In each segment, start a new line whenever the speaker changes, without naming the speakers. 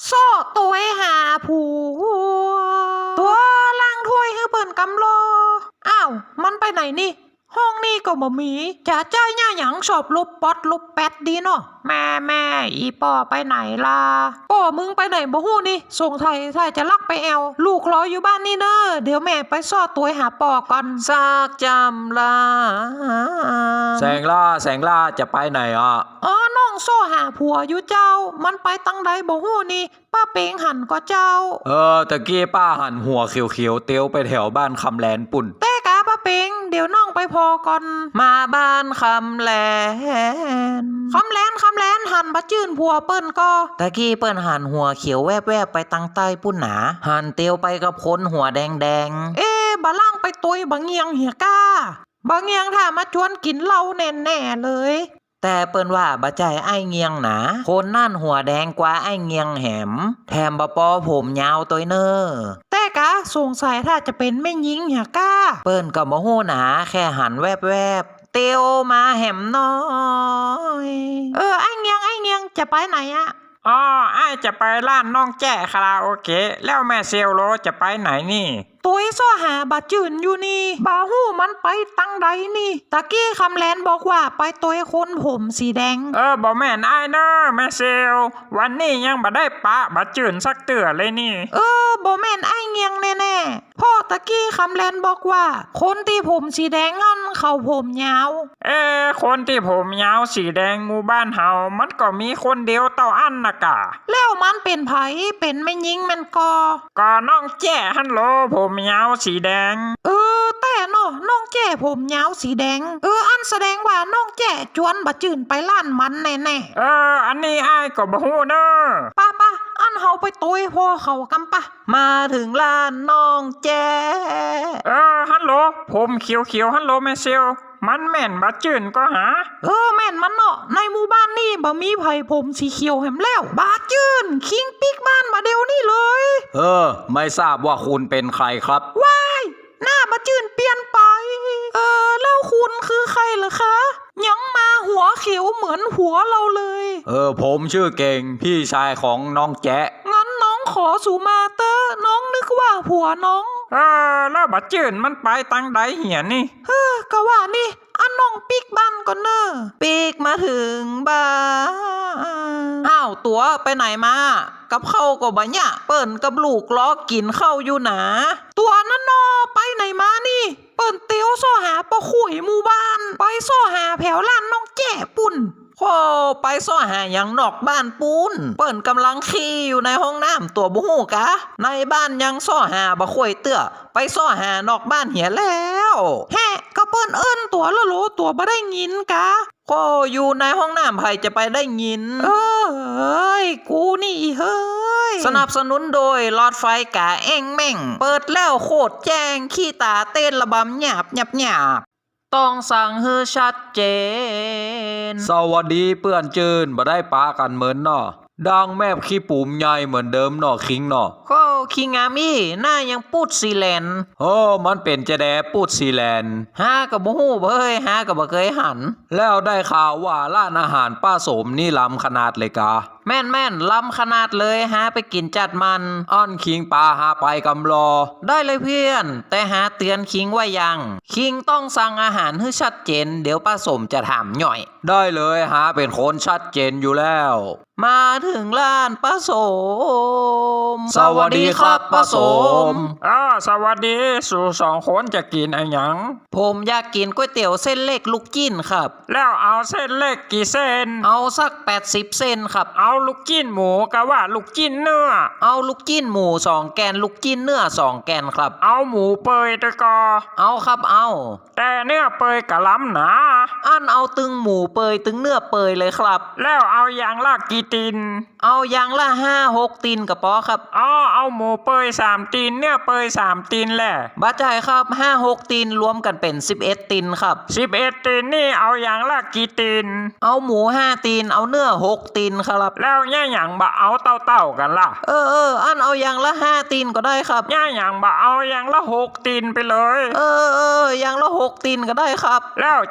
โซ่ตัวหาผัวตัวล่างถ้วยให้เปิ่นกำโลอ้าวมันไปไหนนี่ห้องนี่ก็บ่มีจะใจหน้าหยังชอบลบป๊อดลบแปดดีเนาะแม่อีป่อไปไหนล่ะป่อมึงไปไหนบ่ฮู้นี่ส่งไทยจะลักไปแอวลูกรออยู่บ้านนี่เด้อเดี๋ยวแม่ไปซ่อตัวหาป่อก่อนซากจำลา
แสงล่าจะไปไหนอ่ะ
อ๋อน้องโซ่หาผัวอยู่เจ้ามันไปตั้งใดบ่ฮู้นี่ป้าเปงหันก็เจ้า
ตะกี้ป้าหันหัวเขียวๆเตี้ยวไปแถวบ้านคำแลนปุ่น
แต่กาป้าเปงเดี๋ยวน้องไปพอก่อนมาบ้านคำแลนหันบะจื่นผัวเปิ้นก็ตะกี้เปิ้นหันหัวเขียวแวบๆไปตั้งใต้ปุ่นหนาหันเตียวไปกับคนหัวแดงบะล่างไปตุยบะเงียงเหียก้าบะเงียงถ้ามาชวนกินเหล้าแน่ๆเลยแต่เปิ้นว่าบะใจไอ้เงียงหนาคนนั่นหัวแดงกว่าไอ้เงียงแหมแถมบะปอผมยาวตัวเนอแต่กะสงสัยถ้าจะเป็นแม่ยิงเหียก้าเปิ้นก็บ่ฮู้หนาแค่หันแวบเตียวมาแหมน้อยไอ้เงียงจะไปไหนอะ
ไอ้จะไปร้านน้องแจ้คาราโอเกะแล้วแม่เซลโลจะไปไหนนี่
ตัวซ่อหาบาจืนอยู่นี่บาหู้มันไปตั้งใดนี่ตะกี้คำแลนบอกว่าไปตัวคนผมสีแดง
บอกแม่นไอ้เนอะแม่เซลวันนี้ยังบ่ได้ปะบาจืนสักเตื่อเลยนี่
บ่แม่นไอ้เงียงแน่ๆพ่อตะกี้คำแลนบอกว่าคนที่ผมสีแดงนั่นเขาผมยาว
คนที่ผมยาวสีแดงหมู่บ้านเฮามันก็มีคนเดียวเต่าอันนะกะ
แล้วมันเป็นไผเป็นไม่ยิงมัน
ก็น้องแจ้ฮันโหลผมยาวสีแดง
แต่เนาะน้องแจ้ผมยาวสีแดงอันแสดงว่าน้องแจ้จวนบะจืนไปล้านมันแน่
ๆอันนี้อ้ายก็บ่ฮู้เด้อ
ป้าอันเฮาไปตุยพ่อเขากำปะมาถึงล้านน้องแจ้
ฮัลโหลผมเขียวฮัลโหลแม่เซลมันแม่นบะจืนก็หา
แม่นมันเนาะในหมู่บ้านนี่บ่มีไผผมสีเขียวแหมแล้วบาจืนคิงปิกบ้านมาเดี๋ยวนี้เลย
ไม่ทราบว่าคุณเป็นใครครับ
ว้ายหน้าบาจืนเปลี่ยนไปแล้วคุณคือใครเหรอคะยังมาหัวเขียวเหมือนหัวเราเลย
ผมชื่อเก่งพี่ชายของน้องแจ๊ะ
งั้นน้องขอสุมาเตอร์น้องนึกว่าผัวน้อง
แล้วบาจืนมันไปตั้งใดเหียนี่
ก็ว่านี่อันน้องปิกบ้านก่อนเนอะปิกมาถึงบ้านอ้าวตัวไปไหนมากับเข้าก็บ่เนี่ยเปิ้นกับลูกล้อกินเข้าอยู่หนาตัวนั่นนอไปไหนมานี่เปิ้นเตียวซ่อหาปะขุยหมู่บ้านไปซ่อหาแผวล้านน้องแจ้ปุ่นไปซ่อหาอย่างนอกบ้านปูนเปิ้นกำลังขี้อยู่ในห้องน้ำตัวบุหูกะในบ้านยังซ่อหาบะข่วยเตื้อไปซ่อหานอกบ้านเหียแล้วก็เปิ้นตัวละโลตัวบ่ได้ยินกะอยู่ในห้องน้ำไผจะไปได้ยินกูนี่เฮ้ยสนับสนุนโดยหลอดไฟกะเอ็งแม่งเปิดแล้วโคตรแจ้งขี้ตาเต้นระบำหยาบต้องสั่งให้ชัดเจน
สวัสดีเปื่อนจืนบ่ได้ปากันเหมือนเนาะดังแมบขี้ปุ่มใหญ่เหมือนเดิมเนาะคิงเนาะ
คิงอามี่หน้ายังพูดซีแลน
มันเป็นจะแดพูดซีแลน
ฮากับบ่ฮู้เบ้ยฮากับบ่เคยหัน
แล้วได้ข่าวว่าร้านอาหารป้าสมนี่ล้ำขนาดเลยกะ
แม่นล้ำขนาดเลยฮะไปกินจัดมัน
อ้อนคิงปลาหาไปกำรอ
ได้เลยเพื่อนแต่หาเตือนคิงไว้ยังคิงต้องสั่งอาหารให้ชัดเจนเดี๋ยวป้าสมจะถามหน่อย
ได้เลยหาเป็นคนชัดเจนอยู่แล้ว
มาถึงร้านป้าสม
สวัสดีครับป้าสม
สวัสดีสู่สองคนจะกินอะไรหยัง
ผมอยากกินก๋วยเตี๋ยวเส้นเล็กลูกจิ้นครับ
แล้วเอาเส้นเล็กกี่เส้น
เอาสัก80เส้นครับ
เอาลูกจิ้นหมูกะว่าลูกจิ้นเนื้อ
เอาลูกจิ้นหมู2แกนลูกจิ้นเนื้อ2แกนครับ
เอาหมูเปยตะกอ
เอาครับเอา
แต่เนื้อเปยกะล้ำหนา
อันเอาตึงหมูเปยตึงเนื้อเปยเลยครับ
แล้วเอาอย่างละกี่ตีน
เอาอย่างละ5-6ตีนกระป๋อครับ
เอาหมูเปย3ตีนเนื้อเปย3ตีนแหละ
บ้าใจครับ5-6ตีนรวมกันเป็น11ตีนครับ
11ตีนนี่เอาอย่างละกี่ตีน
เอาหมู5ตีนเอาเนื้อ6ตีนครับ
แล้วย่าหยังบะเอาเต้ากันล่ะ
อันเอาอย่างละ5ตีนก็ได้ครับ
ย่าหยังบะเอาอย่างละ6ตีนไปเลย
อย่างละ6ตีนก็ได้ครับ
แล้วจะเอา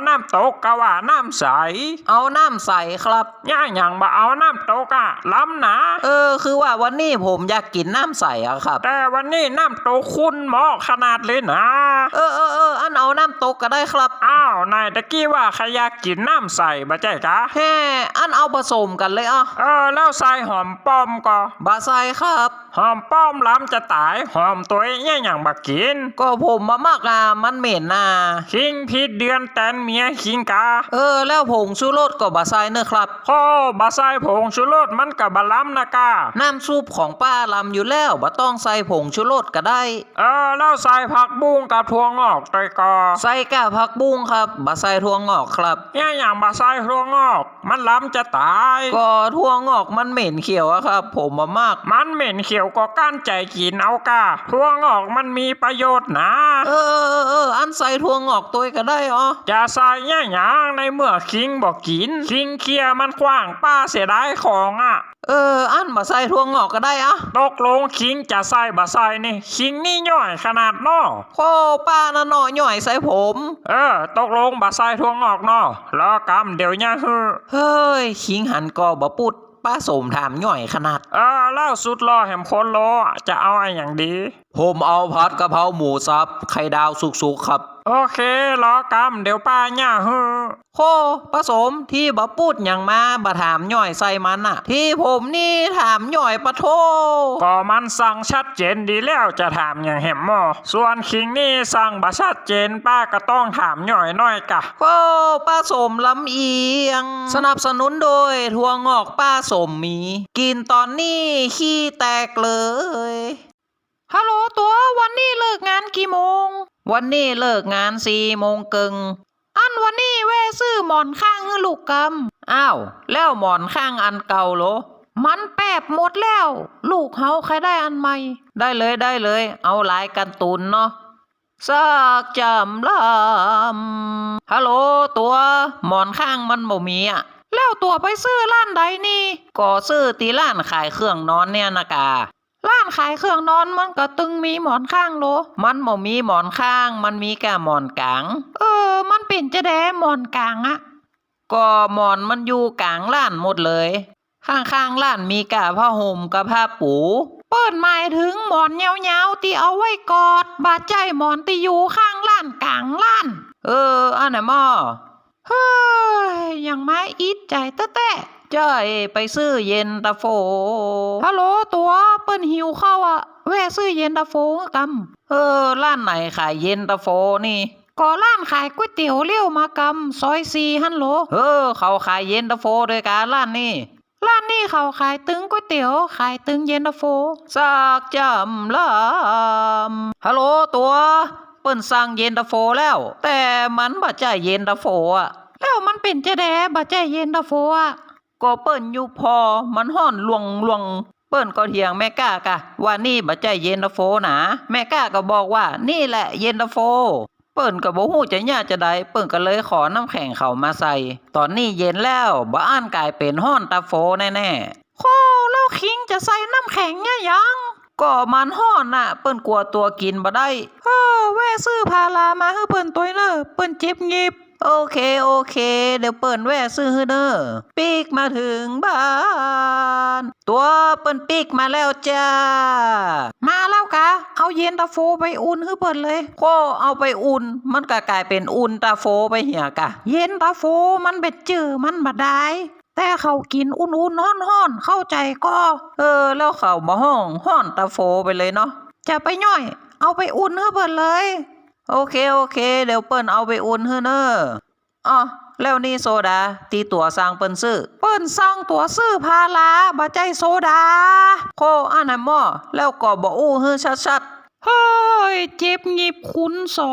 น้ำตกกะว่าน้ำใส
เอาน้ำใสครับ
ย่าอย่างบ่เอาน้ำตกอะล้ำนะ
คือว่าวันนี้ผมอยากกินน้ำใสอะครับ
แต่วันนี้น้ำตกคุณเหมาะขนาดเลยนะ
อันเอาน้ำตกก็ได้ครับ
อ้าวนายตะกี้ว่าใครอยากกินน้ำใสบ่ใจกะ
แฮ่อันเอาผสมกันเลยอ่ะ
แล้วใส่หอมป้อมก็
บาไซครับ
หอมป้อมล้ำจะตายหอมตัวเนี่ยอย่างบักกิน
ก็ผมมามากอ่ะมันเหม็นน่ะ
คิงพิษเดือนแตนเมียคิงกา
แล้วผงชูรสก็บาไซเนอะครับ
พ่อบาใส่ผงชูรสมันกับบะล้ำนะกา
น้ำซุปของป้าลำอยู่แล้วบ่ต้องใส่ผงชูรสก็ได้
แล้วใส่ผักบุ้งกับถั่วงอกตอยกอ
ใส่กะผักบุ้งครับบาไซถั่วงอกครับ
เนี่ยอย่างบาใส่ถั่วงอก มันล้ำจะตาย
ก็ถั่วงอกมันเหม็นเขียวอะครับ ผมมามาก
มันเหม็นเขียวก็ก้านใจกินเอากาถั่วงอกมันมีประโยชน์นะ
อันใส่ถั่วงอกตัวก็ได้อ๋อ
จะใส่เนี่ยอย่างในเมื่อคิงบอกกินคิงเคลียร์มันขว้างป้าเสียดายของอ่ะ
อันบาไซถั่วงอกก็ได้อะ
ตกลงคิงจะใส่บะใส่นี่คิงนี่ย่อยขนาดนอ
โคป้าน่ะหน่อยหน่อยใส่ผม
ตกลงบะใส่ถั่วงอกนอรอกำเดี๋ยวเนี่ยฮือ
เฮ้ยขิงหันก็บ่ปุดป้าสมถามหน่อยขนาด
แล้วสุดรอแหมคนโลจะเอาอะไรอย่างดี
ผมเอาผัดกะเพราหมูสับไข่ดาวสุกๆครับ
โอเครอกำเดี๋ยวป้าเนี่ยฮือ
โคป้าสมที่บ่พูดอย่างมาบ่ถามหน่อยใส่มันอะที่ผมนี่ถามหน่อยปะโท
ก็มันสั่งชัดเจนดีแล้วจะถามอย่างแหมหมอส่วนคิงนี่สั่งบะชัดเจนป้าก็ต้องถามหน่อยน้อยกะ
โคป้าสมลำเอียง สนับสนุนโดยถั่วงอกป้าสมมี กินตอนนี้ขี้แตกเลยฮัลโหลตัววันนี้เลิกงานกี่โมง วันนี้เลิกงาน4 โมงครึ่งอันวันนี้แว่ซื้อหมอนข้างให้ลูกกำอ้าวแล้วหมอนข้างอันเก่าเหรอมันแปบหมดแล้ว ลูกเฮาใครได้อันใหม่ ได้เลยเอาลายกันตุนเนาะสักจำลำฮัลโหลตัวหมอนข้างมันบ่มีอ่ะแล้วตัวไปซื้อร้านใดนี่ก็ซื้อตีร้านขายเครื่องนอนเนี่ยนะการ้านขายเครื่องนอนมันก็ตึงมีหมอนข้างโลมันบ่มีหมอนข้างมันมีแค่หมอนกลางมันเป็นจะแดหมอนกลางอะก็หมอนมันอยู่กลางร้านหมดเลยข้างๆร้านมีกะผ้าห่มกับผ้าปูเปิดหมายถึงหมอนยาวๆที่เอาไว้กอดบาดใจหมอนที่อยู่ข้างร้านกลางร้านอันไหนม่อเฮ้ยยังมาอิดใจแต้จ้อยไปซื้อเย็นตาโฟฮัลโหลตัวเปิ้นหิวข้าวอะแวะซื้อเย็นตาโฟกำร้านไหนขายเย็นตาโฟนี่ก็ร้านขายก๋วยเตี๋ยวเลี้ยวมากำซอย4ฮั่นโหลเขาขายเย็นตาโฟด้วยกันร้านนี้เขาขายตึงก๋วยเตี๋ยวขายตึงเย็นตาโฟสักจำลำฮัลโหลตัวเปิ้นสั่งเย็นตาโฟแล้ว แต่มันบ่ใจเย็นตาโฟอะแล้วมันเป็นจะแดบ่ใจเย็นตาโฟอะก็เปิ้นอยู่พอมันฮ้อนลวงเปิ้นก็เถียงแม่ก้ากะว่านี่บ่ใจเย็นตาโฟนะแม่ก้าก็บอกว่านี่แหละเย็นตาโฟเปิ้นก็บ่ฮู้จะย่าจะใดเปิ้นก็เลยขอน้ำแข็งเขามาใส่ตอนนี้เย็นแล้วบ่อ่านกลายเป็นฮ้อนตาโฟแน่ๆโคแล้วคิงจะใส่น้ำแข็งเนี่ยยังก็มันฮ้อนน่ะเปิ้นกลัวตัวกินบ่ได้แว่ซื้อพารามาให้เปิ้นตัวเนอะเปิ้นเจ็บงิบโอเคเดี๋ยวเปิ้นแว่ซื้อให้เด้อปีกมาถึงบ้านตัวเปิ้นปีกมาแล้วจ้ามาแล้วกะเอาเย็นตาโฟไปอุ่นให้เปิ้นเลยโคเอาไปอุ่นมันก็กลายเป็นอุ่นตาโฟไปเหี่ยกะเย็นตาโฟมันเป็นจื้อมันบ่ได้แต่เขากินอุ่นๆฮ้อนๆเข้าใจก็แล้วเขามาห้อนตาโฟไปเลยเนาะจะไปย่อยเอาไปอุ่นให้เปิ้นเลยโอเคเดี๋ยวเปิ้นเอาไปอุ่นให้เนอะแล้วนี่โซดาตีตัวสร้างเปิ้นซื้อเปิ้นสร้างตัวซื้อพาราบ่ใจโซดาโคอันไหนหม้อแล้วก็บ่อู้ให้ชัดๆเฮ้ยเจ็บงิบคุณ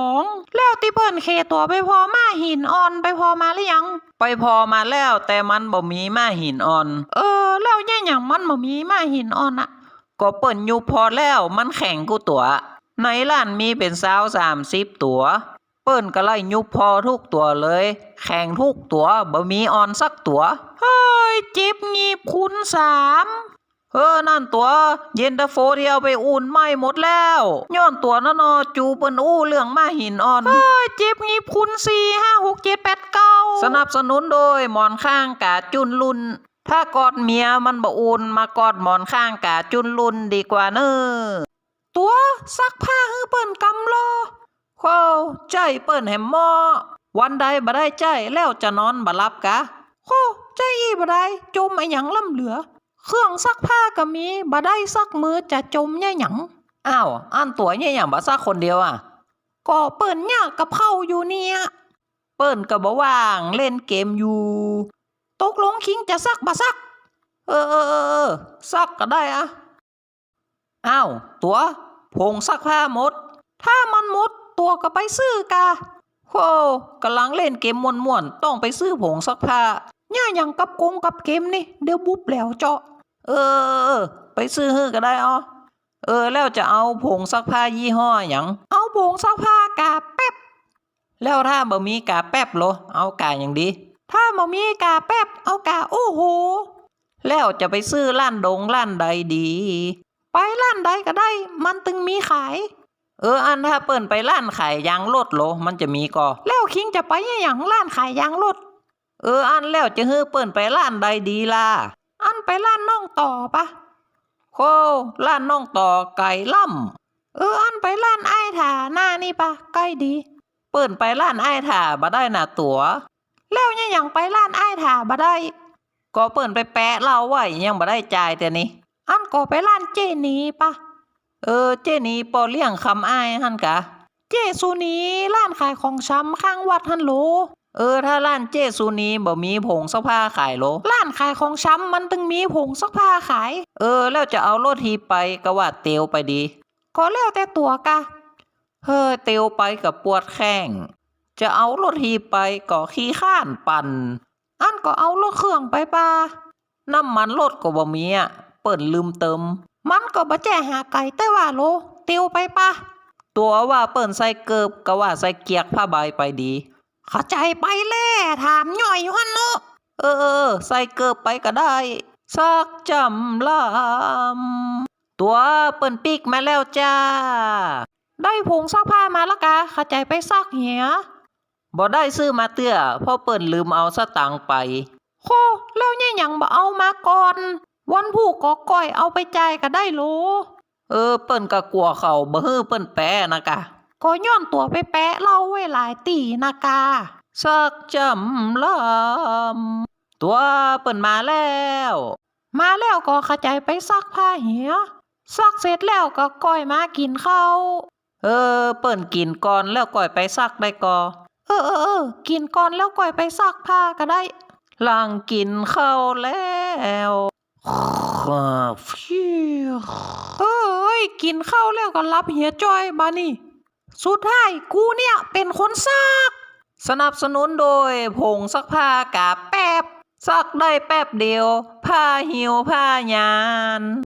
2แล้วที่เปิ้นเคตัวไปพอมาหินอ่อนไปพอมาหรือยังไปพอมาแล้วแต่มันบ่มีมาหินอ่อนแล้วเนี่ยหยังมันบ่มีมาหินอ่อนอะก็เปิ้นอยู่พอแล้วมันแข็งกูตัวในร้านมีเป็น30ตัวเปิ้นก็ไล่ยุบพอทุกตัวเลยแข่งทุกตัวบ่มีออนสักตัวเฮ้ยเจ็บงีบคุณ3 นั่นตัวเย็นตาโฟที่เอาไปอุ่นไหม้หมดแล้วย้อนตัวนั่นนอจูเปิ้นอู้เรื่องมาหินอ่อนเจ็บงีบคุณ4 5 6 7 8 9สนับสนุนโดยหมอนข้างกาจุนลุนถ้ากอดเมียมันบ่อุ่นมากอดหมอนข้างกาจุนลุนดีกว่าเนอตัวซักผ้าฮื้อเปิ้นกำรอโคใจเปิ้นแหมหมอวันใดบ่ได้ใจแล้วจะนอนบ่หลับกะโคใจอีบ่ได้จมไอ้หยังล่ำเหลือเครื่องซักผ้าก็มีบ่ได้ซักมือจะจมแย่หยังอ้าวอันตัวแย่หยังบ่ซักคนเดียวอ่ะก็เปิ้นยากกับเข้าอยู่เนี่ยเปิ้นก็บ่ว่างเล่นเกมอยู่ตกลงคิงจะซักบ่ซักซักก็ได้อะอ้าวตัวผงซักผ้าหมดถ้ามันหมดตัวก็ไปซื้อกะโหกำลังเล่นเกมม่วนๆต้องไปซื้อผงซักผ้าย่าหยังกับกงกับเกมนี่เดี๋ยวบุ๊บแล้วเจาะไปซื้อฮื้อก็ได้อ๋อแล้วจะเอาผงซักผ้ายี่ห้อหยังเอาผงซักผ้ากาแป๊บแล้วถ้าบ่มีกาแป๊บโลเอากาหยังดีถ้าบ่มีกาแป๊บเอากาโอ้โหแล้วจะไปซื้อร้านใดดีไปร้านใดก็ได้มันตึงมีขายอันถ้าเปิ้นไปร้านขายยางรถโลมันจะมีก็แล้วคิงจะไปหยังร้านขายยางรถอันแล้วจะฮื้อเปิ้นไปร้านใดดีล่ะอันไปร้านน้องต่อปะโคร้านน้องต่อไก่ล่ำอันไปร้านไอ้ถ่าหน้านี่ปะใกล้ดีเปิ้นไปร้านไอ้ถ่าบ่ได้น่ะตั๋วแล้วยังไปร้านไอ้ถ่าบ่ได้ก็เปิ้นไปแปะเราไว้ยังบ่ได้จ่ายแต่นี่อันก็ไปร้านเจนีปะเจนีปอเลี้ยงคำอ้ายหั่นกะเจซูนีร้านขายของชำข้างวัดหั่นโหลถ้าร้านเจซูนีบ่มีผงซักผ้าขายโหลร้านขายของชำมันตึงมีผงซักผ้าขายแล้วจะเอารถฮีไปก็ว่าเตียวไปดีก็แล้วแต่ตัวกะเตียวไปกับปวดแข้งจะเอารถฮีไปก็ขี้ข้านปั่นอันก็เอารถเครื่องไปป่าน้ำมันรถก็บ่มีอ่ะเปิ้นลืมเติมมันก็บ่แจ้หาไก่แต่ว่าโลเตียวไปป่ะตัวว่าเปิ้นใส่เกิบก็ว่าใส่เกียกผ้าใบไปดีเข้าใจไปแล่ถามย่อยอยู่หั่นเนาะใส่เกิบไปก็ได้ซักจำลำตัวเปิ้นปิกมาแล้วจ้าได้ผงซักผ้ามาแล้วกะเข้าใจไปซักเหียบ่ได้ซื้อมาเตื้อเพราะเปิ้นลืมเอาสตางค์ไปโคแล้วเนี่ยยังบ่เอามาก่อนวันผู้ก็ก้อยเอาไปจ่ายก็ได้โลเปิ้นก็กลัวเขาบ่ฮื้อเปิ้นแปะนะกะก็ย้อนตัวไปแปะเล่าไว้หลายตีนะกาซักจำลำตัวเปิ้นมาแล้วก็เข้าใจไปซักผ้าเหียซักเสร็จแล้วก็ก้อยมากินข้าวเปิ้นกินก่อนแล้วก้อยไปซักได้ก็กินก่อนแล้วก้อยไปซักผ้าก็ได้หลังกินข้าวแล้วกินข้าวแล้วก็รับเหียจ้อยบานี่สุดท้ายกูเนี่ยเป็นคนซักสนับสนุนโดยผงซักผ้ากาแป๊บซักได้แป๊บเดียวผ้าหิวผ้ายาน